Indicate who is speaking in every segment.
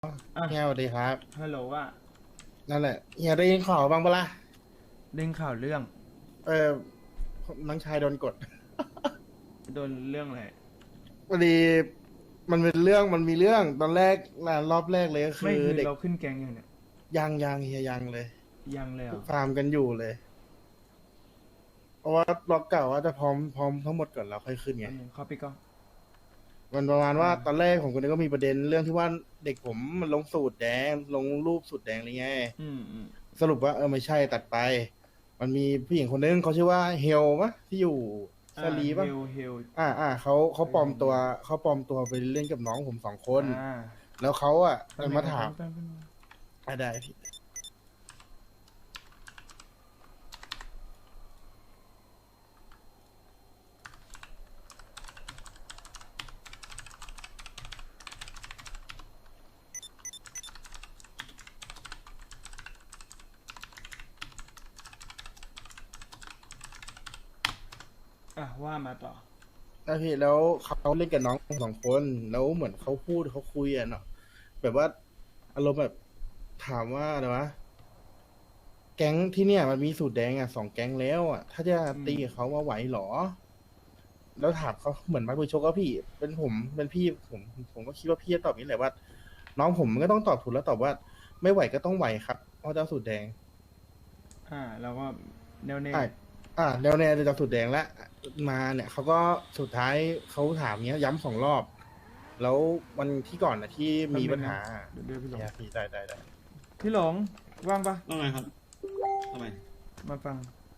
Speaker 1: อ่ะ
Speaker 2: เฮียสวัสดีครับ
Speaker 1: ฮัลโหลว่า
Speaker 2: นั่นแหละเฮียได้ยินข่าวบ้างปะล่ะ
Speaker 1: เด้งข่าวเรื่อง
Speaker 2: เออน้องชายโดนกด
Speaker 1: โดนเรื่องอะไร
Speaker 2: พอดีมันเป็นเรื่องมันมีเรื่องตอนแรกรอบแรกเลยก็คือ
Speaker 1: ไม่คือ
Speaker 2: เด็ก
Speaker 1: เราขึ้นแกงอย่างเนี่ย
Speaker 2: ยังเฮียยังเลย
Speaker 1: ยังเลยเหรอ
Speaker 2: ฟาร์มกันอยู่เลยเพราะว่าล็อกเก่าว่าจะพร้อมทั้งหมดก่อนแล้วค่อยขึ้นไง
Speaker 1: อันนึงเขาไปก่อน
Speaker 2: มันประมาณว่าตอน
Speaker 1: อ่า
Speaker 2: แรกผมก็มีประเด็นเรื่องที่ว่าเด็กผมมันลงสูตรแดงลงรูปสูตรแดงอะไรเงี้ย
Speaker 1: อืม
Speaker 2: สรุปว่าไม่ใช่ตัดไปมันมีผู้หญิงคนนึงเขาชื่อว่าเฮลมะที่อยู่ชาลี
Speaker 1: เฮ
Speaker 2: ปะ
Speaker 1: ลเฮล
Speaker 2: เขา
Speaker 1: เค
Speaker 2: ปลอมตัว
Speaker 1: ยเห็นอยู่
Speaker 2: เขาปลอมตัวไปเล่นกับน้องผมสองคน
Speaker 1: อ่า
Speaker 2: แล้วเขาอ่ะ
Speaker 1: แป๊บนึงนะ
Speaker 2: มาถาม
Speaker 1: แป๊บนึง
Speaker 2: ได้พี่
Speaker 1: ว่ามาต่อ
Speaker 2: ได้พี่แล้วเขาเล่นกับน้องผมสองคนแล้วเหมือนเขาพูดเขาคุยอ่ะเนาะแบบว่าอารมณ์แบบถามว่าอะไรวะแก๊งที่เนี่ยมันมีสูตรแดงอ่ะสองแก๊งแล้วอ่ะถ้าจะ
Speaker 1: อืม
Speaker 2: ตีกับเขาว่าไหวเหรอแล้วถามเขาเหมือนมาคุยชกก็พี่เป็นผมเป็นพี่ผมก็คิดว่าพี่จะตอบนี้แหละว่าน้องผมมันก็ต้องตอบถูกแล้วตอบว่าไม่ไหวก็ต้องไหวครับเพราะเจ้าสูตรแดง
Speaker 1: เราก็แน่วแน่
Speaker 2: อ่าแล้วเนี่ยจะจับสูตรแดงแล้วมาเนี่ยเขาก็สุดท้ายเขาถามเนี้ยย้ำสองรอบแล้ววันที่ก่อนนะที่
Speaker 1: แป๊บนึงนะ
Speaker 2: มีปัญหา
Speaker 1: เดี๋ยวพี่หลง
Speaker 2: เนี่ยพี่ได้
Speaker 1: พี่หลงว่างปะ
Speaker 3: ว่าไงครับทำไม
Speaker 1: มาฟัง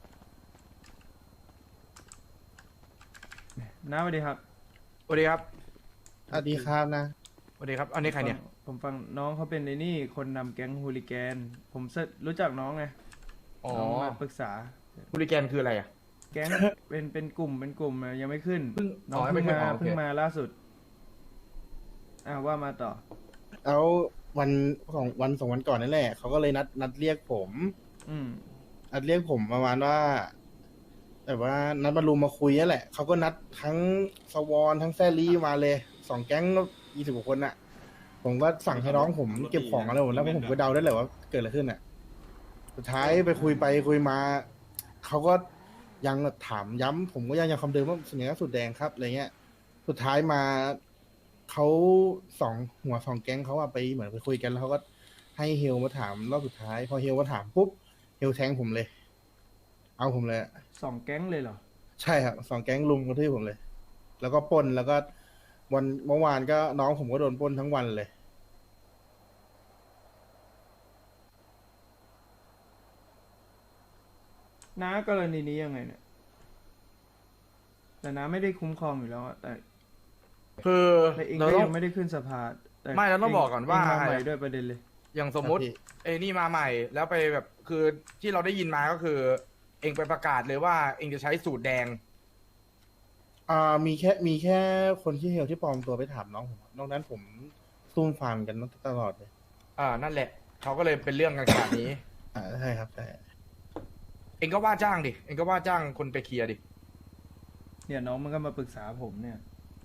Speaker 1: น้าสวัสดีครับ
Speaker 4: สวัสดีครับ
Speaker 2: สวัสดีครับนะ
Speaker 4: สวัสดีครับ อันนี้ใครเนี่ย
Speaker 1: ผมฟังน้องเขาเป็นไอ้นี่คนนำแก๊งฮูลิแกนผมรู้จักน้องไง
Speaker 4: อ๋อ
Speaker 1: น้องมาปรึกษา
Speaker 4: ฮูลิแกนคืออะไรอ่ะ
Speaker 1: แก๊ง เป็นกลุ่มอะยังไม่ขึ้น
Speaker 4: เพิ่ง
Speaker 1: น้อง
Speaker 4: อ๋อ
Speaker 1: เพิ่ง
Speaker 4: ไม่ขึ้น
Speaker 1: มา
Speaker 4: อ๋อโอเค
Speaker 1: เพิ่งมาล่าสุดว่ามาต่อ
Speaker 2: แล้ววันสองวันก่อนนั่นแหละเขาก็เลยนัดเรียกผม
Speaker 1: อืม
Speaker 2: นัดเรียกผมประมาณว่าแบบว่านัดมารุมมาคุยนั่นแหละเขาก็นัดทั้งสวอนทั้งแซรี่มาเลยสองแก๊ง20 กว่าคนน่ะผมก็สั่งให้น้องผมเก็บของอะไรหมดแล้วเพราะผมก็เดาได้แหละว่าเกิดอะไรขึ้นน่ะ สุดท้ายไปคุยมาเขาก็ยังถามย้ำผมก็ยังคำเดิมว่าสัญลักษณ์สุดแดงครับอะไรเงี้ยสุดท้ายมาเขาหัวสองแก๊งเขาอะไปเหมือนไปคุยกันแล้วเขาก็ให้เฮลมาถามรอบสุดท้ายพอเฮลมาถามปุ๊บเฮลแทงผมเลย เอาผมเลยอะ
Speaker 1: 2 แก๊งเลยเหรอ
Speaker 2: ใช่ครับสองแก๊งลุมกระทืบผมเลย แล้วก็ปล้นแล้วก็วันเมื่อวานก็น้องผมก็โดนปล้นทั้งวันเลย
Speaker 1: น้ากรณีนี้ยังไงเนี่ยแต่น้าไม่ได้คุ้มครองอยู่แล้วอะแต่
Speaker 4: คือ
Speaker 1: แต่เอง
Speaker 4: เรา
Speaker 1: ก็
Speaker 4: ต้อ
Speaker 1: ยัง งไม่ได้ขึ้นสภาแต่
Speaker 4: ไม่เราต้องบอกก่อนว่า
Speaker 1: เงมาใหม่ด้วยประเด็นเลย
Speaker 4: อย่างสมมุติ
Speaker 2: ครับพี่
Speaker 4: ไอ้นี่มาใหม่ แล้วไปแบบ คือที่เราได้ยินมาก็คือ เองไปประกาศเลยว่าเองจะใช้สูตรแดง
Speaker 2: มีแค่คนที่เฮลที่ปลอมตัวไปถามน้องผมนอกนั้นผมซุ่มฟาร์มกันตลอดเลย
Speaker 4: นั่นแหละ เขาก็เลยเป็นเรื่องกันขนาดนี้
Speaker 2: ใช่ครับใช่
Speaker 4: เองก็ว่าจ้างดิ เองก็ว่าจ้างคนไปเคลียร์ดิ
Speaker 1: เนี่ยน้องมันก็มาปรึกษาผมเนี่ย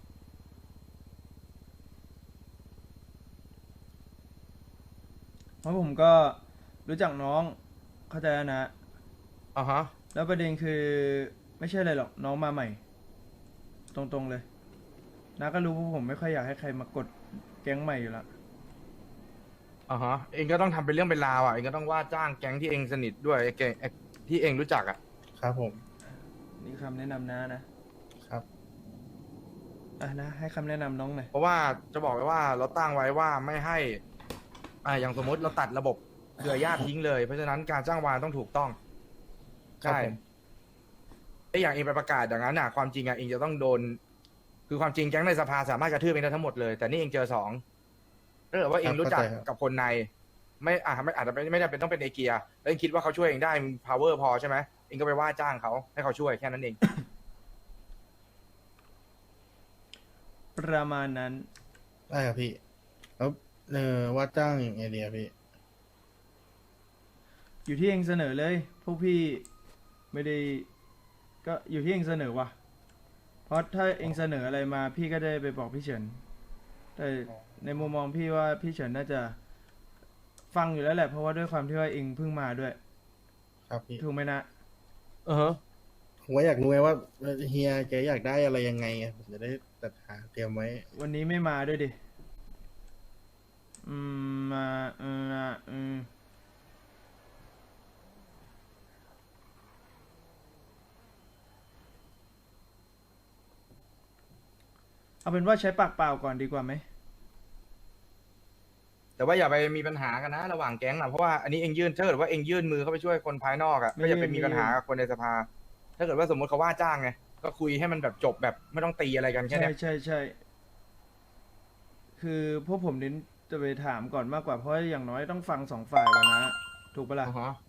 Speaker 1: เพราะผมก็รู้จักน้องเข้าใจแล้วนะ
Speaker 4: อ่าฮะ
Speaker 1: แล้วประเด็นคือไม่ใช่อะไรหรอกน้องมาใหม่ ตรงๆเลยน้าก็รู้ว่าผมไม่ค่อยอยากให้ใครมากดแก๊งใหม่อยู่แล้ว
Speaker 4: อ่าฮะ เองก็ต้องทำเป็นเรื่องเป็นราวอ่ะ เองก็ต้องว่าจ้างแก๊งที่เองสนิทด้วยไอ้แก๊งที่เองรู้จักอ่ะ
Speaker 2: ครับผม
Speaker 1: นี่คำแนะนำนะครับ นะให้คำแนะนำน้องหน่อย
Speaker 4: เพราะว่าจะบอกไว้ว่าเราตั้งไว้ว่าไม่ให้ อย่างสมมติเราตัดระบบเครือญาติทิ้งเลย เพราะฉะนั้นการจ้างวานต้องถูกต้อง
Speaker 2: ครับ
Speaker 4: ใช่
Speaker 2: ผม
Speaker 4: ไอ้อย่างเองไปประกาศอย่างนั้นน่ะความจริงอ่ะเองจะต้องโดน คือความจริงแก๊งในสภาสามารถกระทืบเองได้ทั้งหมดเลย แต่นี่เองเจอสองถ้าเกิดว่าเองรู้จักกับคนใน ไม่อาจจะไม่ได้เป็นต้องเป็นเอเกียแล้วเองคิดว่าเขาช่วยเองได้มี power พอใช่ไหมเองก็ไปว่าจ้างเขาให้เขาช่วยแค่นั้นเอง
Speaker 1: ประมาณนั้น
Speaker 2: ได้ครับพี่แล้วว่าจ้างอย่างไงดีครับพี่
Speaker 1: อยู่ที่เองเสนอเลย พวกพี่ไม่ได้ก็อยู่ที่เองเสนอว่ะเพราะถ้าเองเสนออะไรมาพี่ก็ได้ไปบอกพี่เฉินแต่ในมุมมองพี่ว่าพี่เฉินน่าจะฟังอยู่แล้วแหละเพราะว่าด้วยความที่ว่าเองเพิ่งมาด้วย
Speaker 2: ครับพี่
Speaker 1: ถูกไหมนะ
Speaker 2: ผมก็อยากรู้ไงว่าเฮียแกอยากได้อะไรยังไงอะผมจะได้จัดหาเตรียมไว้
Speaker 1: วันนี้ไม่มาด้วยดิมาเอาเป็นว่าใช้ปากเปล่าก่อนดีกว่าไหม
Speaker 4: แต่ว่าอย่าไปมีปัญหากันนะระหว่างแก๊งอะเพราะว่าอันนี้เองยื่นถ้าเกิดว่าเองยื่นมือเข้าไปช่วยคนภายนอกอะก็อย่าไปมีปัญหากับคนในสภา ถ้าเกิดว่าสมมติเขาว่าจ้างไงก็คุยให้มันแบบจบแบบไม่ต้องตีอะไรกันแค่
Speaker 1: ใช่
Speaker 4: เนี้ย
Speaker 1: ใช่คือพวกผมเน้นจะไปถามก่อนมากกว่าเพราะอย่างน้อยต้องฟังสองฝ่ายก่อนนะ ถูกปะล่ะ
Speaker 4: อ่าฮะ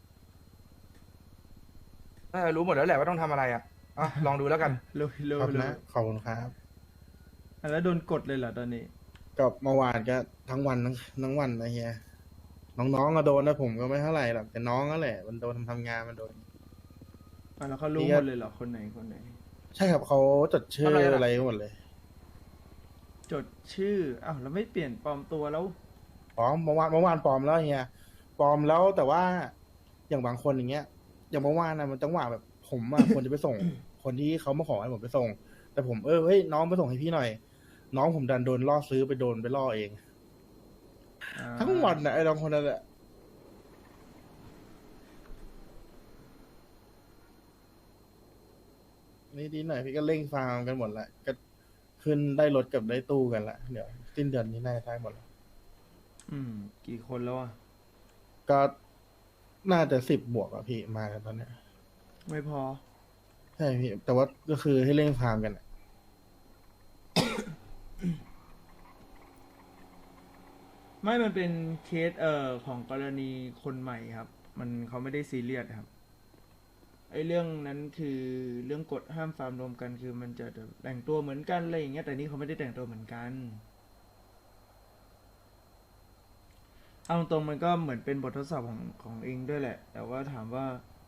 Speaker 4: น่าจะรู้หมดแล้วแหละว่าต้องทำอะไรอ่ะลองดูแล้วกัน
Speaker 1: เร็วเร็ว
Speaker 2: ครับ
Speaker 1: เร็ว
Speaker 2: นะขอบคุณครับ
Speaker 1: แล้วโดนกดเลยเหรอตอนนี้
Speaker 2: ก็เมื่อวานก็ทั้งวันทั้งวันนะเฮียน้องๆก็โดนนะผมก็ไม่เท่าไหร่หรอกแต่น้องนั่นแหละมันโดนทำงานมันโดน
Speaker 1: แล้วเขารู้
Speaker 2: พี่
Speaker 1: ห
Speaker 2: ก็
Speaker 1: มดเลยเหรอคนไหนคนไหน
Speaker 2: ใช่ครับเขาจดชื่อ
Speaker 4: ทำอะไรล่ะ
Speaker 2: อะไรหมดเลย
Speaker 1: จดชื่ออ้าวแล้วไม่เปลี่ยนปลอมตัวแล้ว
Speaker 2: ปลอมเมื่อวานปลอมแล้วเฮียปลอมแล้วแต่ว่าอย่างบางคนอย่างเงี้ย อย่างเมื่อวานนะมันจังหวะแบบผมอะ ควรจะไปส่ง คนที่เขามาขอให้ผมไปส่ง แต่ผมเฮ้ยน้องไปส่งให้พี่หน่อย น้องผมดันโดนล่อซื้อไปโดนไปล่อเอง ทั้งวันนะไอ้น้องคนนั้นแหละนี่ดีหน่อยพี่ก็เร่งฟาร์มกันหมดละก็ขึ้นได้รถกับได้ตู้กันละเดี๋ยวสิ้นเดือนนี้น่าจะได้หมดละ
Speaker 1: กี่คนแล้วอ่ะ
Speaker 2: ก็น่าจะ10 บวกอะพี่มากันตอนเนี้ย
Speaker 1: ไม่พอ
Speaker 2: ใช่พี่แต่ว่าก็คือให้เร่งฟาร์มกันอะ
Speaker 1: ไม่มันเป็นเคสของกรณีคนใหม่ครับ มันเขาไม่ได้ซีเรียสครับไอ้เรื่องนั้นคือเรื่องกฎห้ามฟาร์มรวมกันคือมันจะแต่งตัวเหมือนกันอะไรอย่างเงี้ยแต่นี่เขาไม่ได้แต่งตัวเหมือนกันเอาตรงๆมันก็เหมือนเป็นบททดสอบของเองด้วยแหละ แต่ว่าถามว่า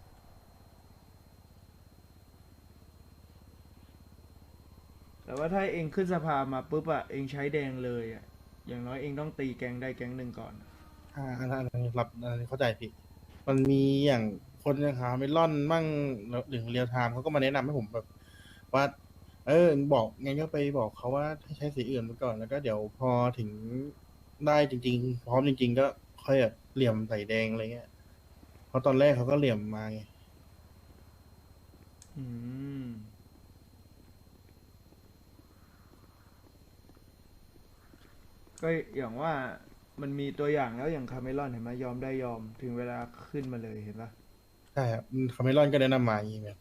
Speaker 1: แต่ว่าถ้าเองขึ้นสภามาปุ๊บอะเองใช้แดงเลยอะอย่างน้อยเองต้องตีแก๊งได้แก๊งหนึ่งก่อน
Speaker 2: อันนี้รับอันนี้เข้าใจพี่มันมีอย่างคนอย่างหาไม่ล่อนมั่งหรือเรียลไทม์เขาก็มาแนะนำให้ผมแบบ ว่า บอกไงก็ไปบอกเขาว่าให้ใช้สีอื่นไปก่อน แล้วก็เดี๋ยวพอถึงได้จริงๆ พร้อมจริงๆ ก็ค่อยแบบเหลี่ยมใส่แดงอะไรเงี้ย เพราะตอนแรกเขาก็เหลี่ยมมาไง
Speaker 1: อืมก็อย่างว่ามันมีตัวอย่างแล้วอย่างคาเมลอนเห็นไหมยอมได้ยอมถึงเวลาขึ้นมาเลยเห็นปะ
Speaker 2: ใช่ครับคาเมลอนก็แนะนำมาอย่างงี้แบบ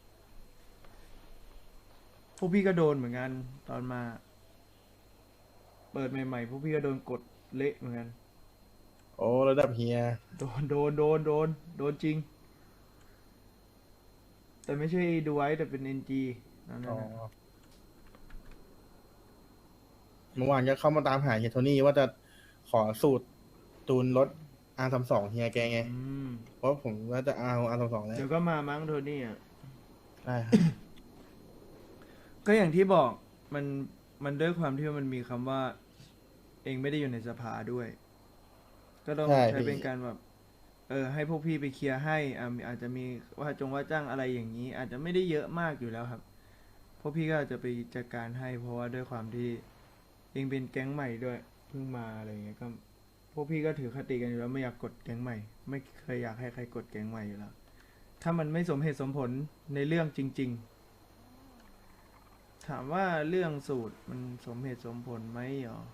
Speaker 1: พวกพี่ก็โดนเหมือนกันตอนมา เปิดใหม่ๆพวกพี่ก็โดนกดเละเหมือนกัน
Speaker 2: โอ้ระดับเฮีย
Speaker 1: โดนจริง แต่ไม่ใช่ดูไว้แต่เป็น NG นั่น
Speaker 2: อ๋อ
Speaker 1: นะ
Speaker 2: เมื่อวานก็เข้ามาตามหาเฮียโทนี่ว่าจะขอสูตรตูนรถ R32 เฮียแกไง
Speaker 1: อืม
Speaker 2: เพราะผมว่าจะเอา R32 แล้ว
Speaker 1: เดี๋ยวก็มามั้งโทนี่อ่ะ
Speaker 2: ได้ครับ
Speaker 1: ก็อย่างที่บอกมันด้วยความที่ว่ามันมีคำว่า เองไม่ได้อยู่ในสภาด้วย ก็ต้อง
Speaker 2: ใช่
Speaker 1: ใช้
Speaker 2: พี่
Speaker 1: เป็นการแบบให้พวกพี่ไปเคลียร์ให้อาจจะมีว่าจ้างอะไรอย่างนี้ อาจจะไม่ได้เยอะมากอยู่แล้วครับ พวกพี่ก็อาจจะไปจัดการให้ เพราะว่าด้วยความที่เองเป็นแก๊งใหม่ด้วยเพิ่งมาอะไรอย่างเงี้ยก็พวกพี่ก็ถือคติกันอยู่แล้วไม่อยากกดแก๊งใหม่ ไม่เคยอยากให้ใครกดแก๊งใหม่อยู่แล้ว ถ้ามันไม่สมเหตุสมผลในเรื่องจริง ๆ ถามว่าเรื่องสูตรมันสมเหตุสมผลไหมหรอ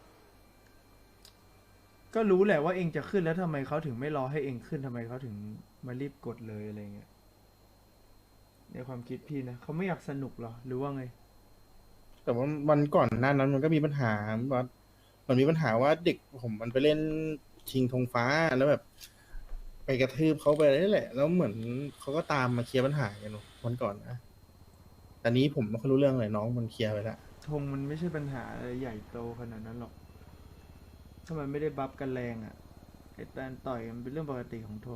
Speaker 1: ก็รู้แหละว่าเองจะขึ้นแล้วทำไมเขาถึงไม่รอให้เองขึ้นทำไมเขาถึงมารีบกดเลยอะไรเงี้ยในความคิดพี่นะเขาไม่อยากสนุกหรอหรือว่าไง
Speaker 2: แต่ว่าวันก่อนหน้านั้นมันก็มีปัญหาว่ามันมีปัญหาว่าเด็กผมมันไปเล่นชิงธงฟ้าแล้วแบบ ไปกระทืบเขาไปนี่แหละ แล้วเหมือนเขาก็ตามมาเคลียร์ปัญหากันวันก่อนนะแต่นี้ผมไม่ค่อยรู้เรื่องเลยน้องมันเคลียร์ไปแล้ว
Speaker 1: ธงมันไม่ใช่ปัญหาอะไรใหญ่โตขนาดนั้นหรอก ถ้ามันไม่ได้บัฟกันแรงอะ่ะไอ้การต่อยมันเป็นเรื่องปกติของธง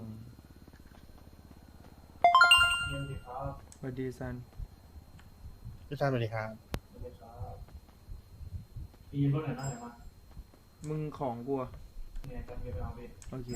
Speaker 1: สวัสดีซัน
Speaker 2: พี่ชายสวัสดีครับ
Speaker 5: มีรถไหนบ้างไหนมา
Speaker 1: มึงของกูอะ
Speaker 4: เนี่ยจะไปเอาไป
Speaker 1: โอเค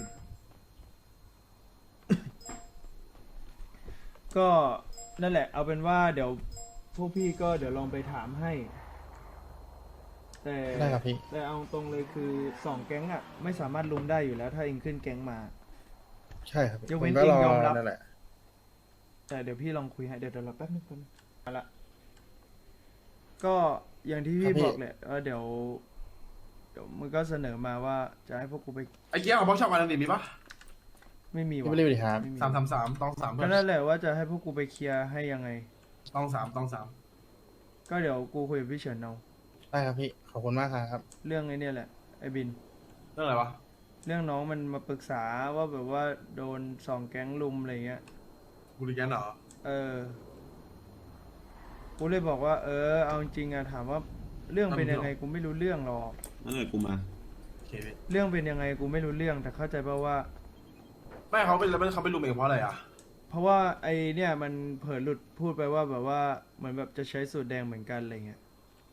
Speaker 1: ก็นั่นแหละ เอาเป็นว่าเดี๋ยวพวกพี่ก็เดี๋ยวลองไปถามให้ แต่
Speaker 2: ได้ครับพี่
Speaker 1: แต่เอาตรงเลยคือสองแก๊งอ่ะ ไม่สามารถลุมได้อยู่แล้ว ถ้าเองขึ้นแก๊งมา
Speaker 2: ใช่ครับพี่
Speaker 1: ยก
Speaker 2: ผ
Speaker 1: เว้น
Speaker 2: มก็รอ
Speaker 1: เองยอมรับ
Speaker 2: นั่นแหละ
Speaker 1: แต่เดี๋ยวพี่ลองคุยให้เดี๋ยวเราแป๊บนึงมาละก็อย่างที่พี่บอกแหละว่าเดี๋ยวมึงก็เสนอมาว่าจะให้พวกกูไป
Speaker 5: ไอ้เกี้ยของบล็อกช็อปวันนี้มีปะ
Speaker 1: ไม่มี
Speaker 2: พี่
Speaker 1: วะ
Speaker 2: ไม่ได้ไปถาม
Speaker 1: ไม่มี
Speaker 5: 333ต้อง3เพื่
Speaker 1: ก็
Speaker 5: อน
Speaker 1: นั่นแหละว่าจะให้พวกกูไปเคลียร์ให้ยังไง
Speaker 5: ต้อง3
Speaker 1: ก็เดี๋ยวกูคุยกับพี่เฉินเอา
Speaker 2: ได้ครับพี่ ขอบคุณมากครับ
Speaker 1: เรื่องไอ้เนี่ยแหละไอ้บิน
Speaker 5: เรื่องอะไรวะ
Speaker 1: เรื่องน้องมันมาปรึกษาว่าแบบว่าโดนสองแก๊งลุมอะไรเงี้ย
Speaker 5: บูริแกนเหรอ
Speaker 1: กูเลยบอกว่า เอาจริงอะถามว่าเรื่องเป็นยังไงกูไม่รู้เรื่องหรอก
Speaker 3: นั่นแหละกูมา
Speaker 5: โอเคพี่
Speaker 1: เรื่องเป็นยังไงกูไม่รู้เรื่องแต่เข้าใจป่าว่า
Speaker 5: ไม่เขาเป็นแล้วเขาไปรุมเองเพราะอะไรอ่ะ
Speaker 1: เพราะว่าไอเนี่ยมันเผลอหลุดพูดไปว่าแบบว่าเหมือนแบบจะใช้สูตรแดงเหมือนกันอะไรเงี้ย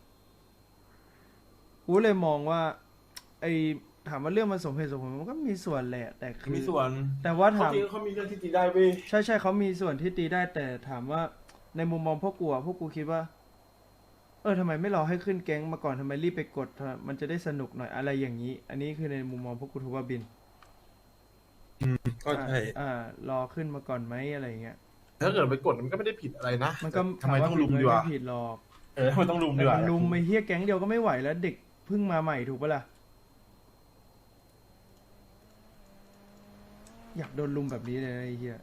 Speaker 1: กูเลยมองว่า ไอถามว่าเรื่องมันสมเหตุสมผลมันก็มีส่วนแหละ แต่คือ
Speaker 5: มีส่วน
Speaker 1: แต่ว่า
Speaker 5: เขา
Speaker 1: ถาม
Speaker 5: จริงเขามีเรื่องที่ตีได้เว้ย
Speaker 1: ใช่เขามีส่วนที่ตีได้แต่ถามว่าในมุมมองพวกกูอะพวกกูคิดว่า ทำไมไม่รอให้ขึ้นแก๊งมาก่อนทำไมรีบไปกดมันจะได้สนุกหน่อยอะไรอย่างนี้ อันนี้คือในมุมมองพวกกูถูกว่าบิน
Speaker 5: ก็ใช่
Speaker 1: รอขึ้นมาก่อนไหมอะไรอย่างเงี้ย
Speaker 5: ถ้าเกิดไปกดมันก็ไม่ได้ผิดอะไรนะ
Speaker 1: มันก็
Speaker 5: ทำไมต้องลุม
Speaker 1: ถา
Speaker 5: ดีวะ
Speaker 1: ไม่ผิดหรอก
Speaker 5: ทำไมต้องลุมดี
Speaker 1: แต่
Speaker 5: วะ
Speaker 1: มันลุมไม่เฮี้ยแก๊งเดียวก็ไม่ไหวแล้ว เด็กเพิ่งมาใหม่ถูกปะล่ะ อยากโดนลุมแบบนี้เลยนะไอ้เฮี้ย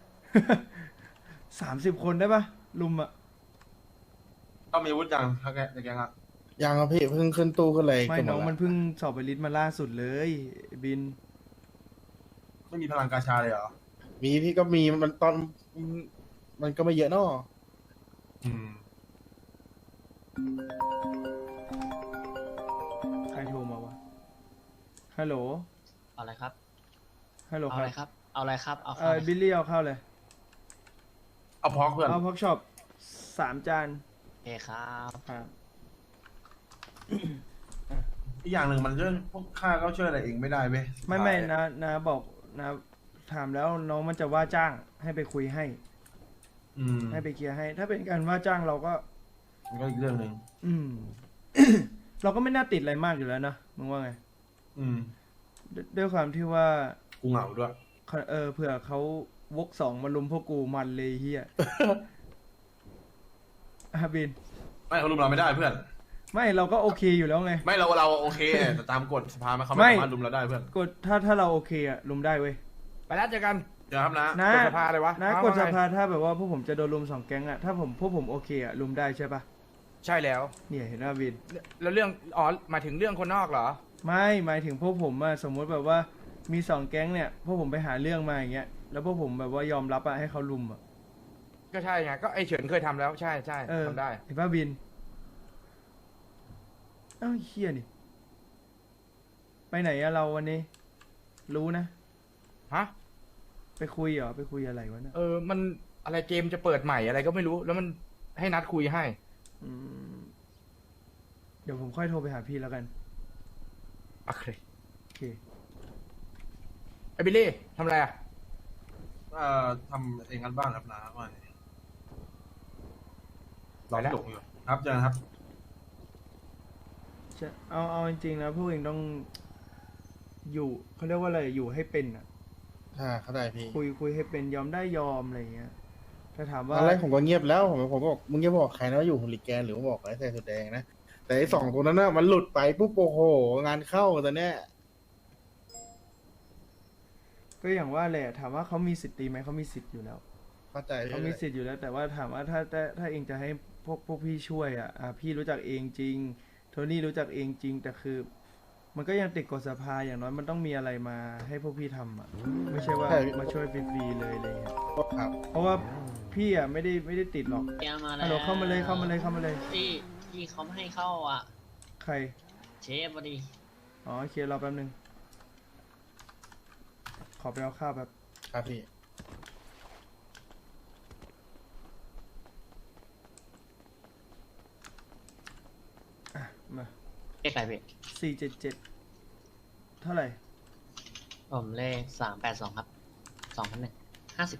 Speaker 1: 30 คนได้ปะลุมอะ
Speaker 5: ต้องมีอาวุธยังถ้าแกในแกงอ่ะ
Speaker 2: ยังครับพี่ เพิ่งขึ้นตู้ขึ้นเลย
Speaker 1: ไม่
Speaker 2: ขึ้
Speaker 1: น้อง
Speaker 2: หดละ
Speaker 1: มันเพิ่งสอบไปลิสต์มาล่าสุดเลยไอ้บิน
Speaker 5: ไม่มีพลังกาชาเลยเหรอ
Speaker 2: มีพี่ก็มีมันตอนมันก็ไม่เยอะเนาะ
Speaker 5: อืม
Speaker 1: ใครโทรมาวะ ฮัลโหล
Speaker 6: เอาอะไรครับ
Speaker 1: ฮัลโหล
Speaker 6: เอา
Speaker 1: ค
Speaker 6: อะไร
Speaker 1: รับ
Speaker 6: ครับ เอาอะไรครับ เอา
Speaker 1: เอ
Speaker 6: ข้าว
Speaker 1: อ
Speaker 6: อะไร
Speaker 1: บิลลี่เอาเข้าเลย
Speaker 5: เอาพอกเพื่อน
Speaker 1: เอาพ็อกช็อป3 จาน
Speaker 6: โอเคครับ
Speaker 1: ครับ
Speaker 5: อีกอย่างหนึ่งมันเรื่องพวกค่าก็ช่วยอะไรเองไม่ได้เว้ย
Speaker 1: ไม่นะบอกนะถามแล้วน้องมันจะว่าจ้างให้ไปคุยให้
Speaker 5: อืม
Speaker 1: ให้ไปเคลียร์ให้ ถ้าเป็นการว่าจ้างเราก็
Speaker 5: มันก็อีกเรื่องหนึ่ง
Speaker 1: อืม เราก็ไม่น่าติดอะไรมากอยู่แล้วนะมึงว่าไง
Speaker 5: อืม
Speaker 1: ด้วยความที่ว่า
Speaker 5: กูเหงาด้วย
Speaker 1: เผื่อเขาวก2มาลุมพวกกูมันเลยเฮีย บิน
Speaker 5: ไม่เขารุมเราไม่ได้เพื่อน
Speaker 1: ไม่เราก็โอเคอยู่แล้วไง
Speaker 5: ไม่เราโอเคแต่ตามกฎสภาเขา
Speaker 1: ไม่
Speaker 5: ไม่สามารถรุมเราได้เพื่อน
Speaker 1: กดถ้าเราโอเคอะลุมได้เว้ย
Speaker 4: ไปแล้วเจอกัน
Speaker 5: เดี๋ยวครับนะ
Speaker 1: นะ
Speaker 4: กดสภาเลยวะ
Speaker 1: นะ
Speaker 4: เอา
Speaker 1: กดส
Speaker 4: ว่าไง
Speaker 1: ภาถ้าแบบว่าพวกผมจะโดนลุม2 แก๊งอะถ้าพวกผมโอเคอะลุมได้ใช่ปะ
Speaker 4: ใช่แล้ว
Speaker 1: เนี่ยเห็นว่าบิน
Speaker 4: แล้วเรื่องอ๋อหมายถึงเรื่องคนนอกเหรอ
Speaker 1: ไม่หมายถึงพวกผมอะสมมติแบบว่ามี2 แก๊งเนี่ยพวกผมไปหาเรื่องมาอย่างเงี้ยแล้วพวกผมแบบว่ายอมรับอะให้เขาลุมอะ
Speaker 4: ก็ใช่ไงก็ไอเฉินเคยทำแล้วใช่ทำได้
Speaker 1: เห็นป่ะบินเอ้าเฮียนี่ไปไหนอะเราวันนี้ รู้นะ
Speaker 4: ฮะ
Speaker 1: ไปคุยเหรอไปคุยอะไรวะเนี่ย
Speaker 4: มันอะไรเกมจะเปิดใหม่อะไรก็ไม่รู้ แล้วมันให้นัดคุยให้
Speaker 1: อืมเดี๋ยวผมค่อยโทรไปหาพี่แล้วกัน
Speaker 4: โอเค
Speaker 1: โอเค
Speaker 4: ไอบิลลี่ทำอะไรอ่ะ
Speaker 5: ทำเองกันบ้างครับนะว่าไงรอพี่หลงอยู่ครับเจอกันครับ
Speaker 1: จะเอาจริงๆนะพวกเองต้องอยู่เขาเรียกว่าอะไรอยู่ให้เป็นอ่ะ
Speaker 2: เข้าใจพี่
Speaker 1: คุยให้เป็นยอมได้ยอมอะไรอย่างเงี้ยถ้าถาม
Speaker 2: ต
Speaker 1: ว่า
Speaker 2: อนแรกผมก็เงียบแล้วผมก็บอกมึงจะบอกใครนะว่าอยู่ฮูลิแกนหรือว่าบอกไอ้ใส่สุดแดงนะแต่ไอ้2ตัวนั้นน่ะมันหลุดไปปุ๊บโอ้โหงานเข้าตอนเนี้ย
Speaker 1: ก็อย่างว่าแหละถามว่าเขามีสิทธิ์ตีไหมเขามีสิทธิ์อยู่แล้ว
Speaker 2: เข้าใจ
Speaker 1: เขามีสิทธิ์อยู่แล้ว แต่ว่าถามว่าถ้าเองจะให้พวกพี่ช่วยอ่ะพี่รู้จักเองจริงโทนี่รู้จักเองจริง แต่คือ มันก็ยังติดกฎสภาอย่างน้อยมันต้องมีอะไรมาให้พวกพี่ทำอ่ะไม่ใช่ว่ามาช่วยฟรีๆเลยอะไรเงี้ย
Speaker 2: ครับ
Speaker 1: เพราะว่าพี่อ่ะไม่ได้ติดหรอก
Speaker 6: แกมาแล้ว
Speaker 1: ฮัลโหลเข้ามาเลยเข้ามาเลย
Speaker 6: พี่เขาไม่ให้เข้าอ่ะ
Speaker 1: ใคร
Speaker 6: เชฟพอดี
Speaker 1: อ๋อโอเครอแป๊บนึงขอไปเอาข้าวแบบ
Speaker 2: ครับพี่
Speaker 1: มา
Speaker 6: เรียกอะไรพี่
Speaker 1: 477 เท่าไหร่
Speaker 6: ผมเลข382 ครับ 2001 50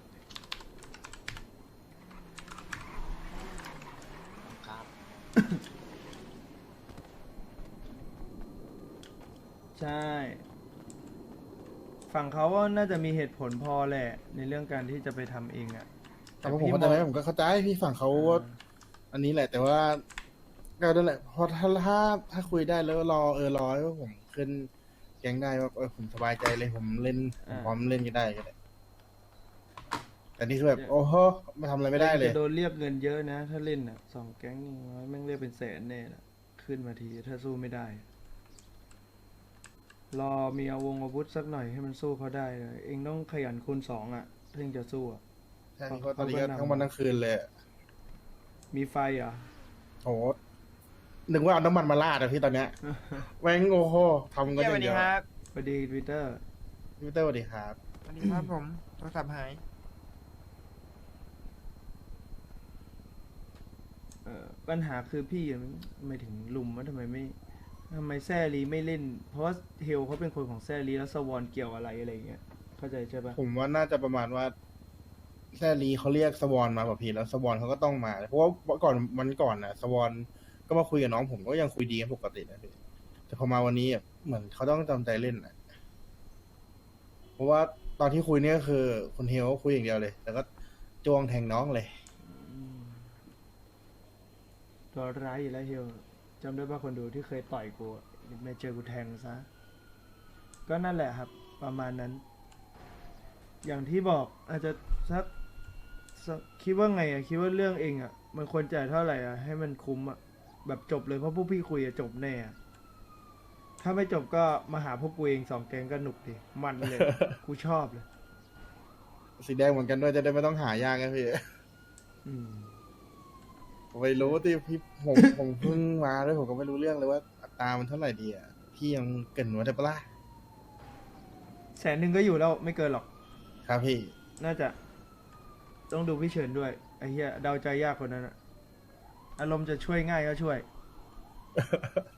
Speaker 6: ครับ
Speaker 1: ใช่ ฝั่งเขาว่าน่าจะมีเหตุผลพอแหละ ในเรื่องการที่จะไปทำเองอะ
Speaker 2: แต่ว่าผมเข้าใจไหมผมก็เข้าใจพี่ฝั่งเขาว่าอันนี้แหละ แต่ว่าก็นั่นแหละเพราะถ้าคุยได้แล้วรอรอให้ผมขึ้นแก๊งได้ว่าผมสบายใจเลยผมเล่นผมพร้อมเล่นกันได้ก็ได้แต่นี่คือแบบโอ้โหมาทำอะไรไม่ได้เลย
Speaker 1: จะโดนเรียกเงินเยอะนะ ถ้าเล่นอะ2 แก๊งนี่แม่งเรียกเป็นแสนแน่ละขึ้นมาทีถ้าสู้ไม่ได้ รอมีอาวุธสักหน่อยให้มันสู้เขาได้เลยเองต้องขยันคูณ 2อะถึงจะสู้อะ
Speaker 2: ใช่ก็ตอนนี้ก็ทั้งวันทั้งคืนเลยอะ
Speaker 1: มีไฟเหรอ
Speaker 2: โอ้โหนึกว่าเอาน้ำมันมาราดอะพี่ตอนเนี้ยแม่งโอ้โหทำกันอย่างเดียว
Speaker 1: สวัสดีพีเตอร์
Speaker 2: พี่เต้สวัสดีครับ
Speaker 7: สวัสดีครับผมโทรศัพท์หาย
Speaker 1: ปัญหาคือพี่อะไม่ถึงลุมว่าทำไมแซลีไม่เล่น เพราะว่าเฮลเขาเป็นคนของแซลีแล้วสวอนเกี่ยวอะไรอย่างเงี้ย เข้าใจใช่ปะ
Speaker 2: ผมว่าน่าจะประมาณว่าแซลีเขาเรียกสวอนมาแบบพี่แล้วสวอนเขาก็ต้องมา เพราะว่าวันก่อนน่ะสวอนก็มาคุยกับน้องผมก็ยังคุยดีกันปกตินะพี่แต่พอมาวันนี้อะเหมือนเขาต้องจำใจเล่นนะเพราะว่าตอนที่คุยเนี่ยก็คือคุณเฮลก็คุยอย่างเดียวเลย แล้วก็จ้วงแทงน้องเลย
Speaker 1: ตัวร้ายอยู่แล้วเฮลจำได้ป่ะคนดูที่เคยต่อยกูไม่เจอกูแทงซะ ก็นั่นแหละครับ ประมาณนั้น อย่างที่บอกอาจจะสักคิดว่าไงอะคิดว่าเรื่องเองอะมันควรจ่ายเท่าไหร่อะให้มันคุ้มอะแบบจบเลยเพราะพวกพี่คุยอะจบแน่อะถ้าไม่จบก็มาหาพวกกูเอง2 แกงก็หนุกดิมันเลย กูชอบเลย
Speaker 2: สีแดงเหมือนกันด้วยจะได้ไม่ต้องหายากนะพี่
Speaker 1: อืม
Speaker 2: ผมไม่รู้ที่พี่ผมเพิ่งมาด้วยผมก็ไม่รู้เรื่องเลยว่าอัตรามันเท่าไหร่ดีอ่ะพี่ยังเกรินไว้ได้ปะล่ะ
Speaker 1: 100,000ก็อยู่แล้วไม่เกินหรอก
Speaker 2: ครับพี่
Speaker 1: น่าจะ ต้องดูพี่เฉินด้วยไอ้เหี้ยเดาใจยากคนนั้นอะอารมณ์จะช่วยง่ายก็ช่วย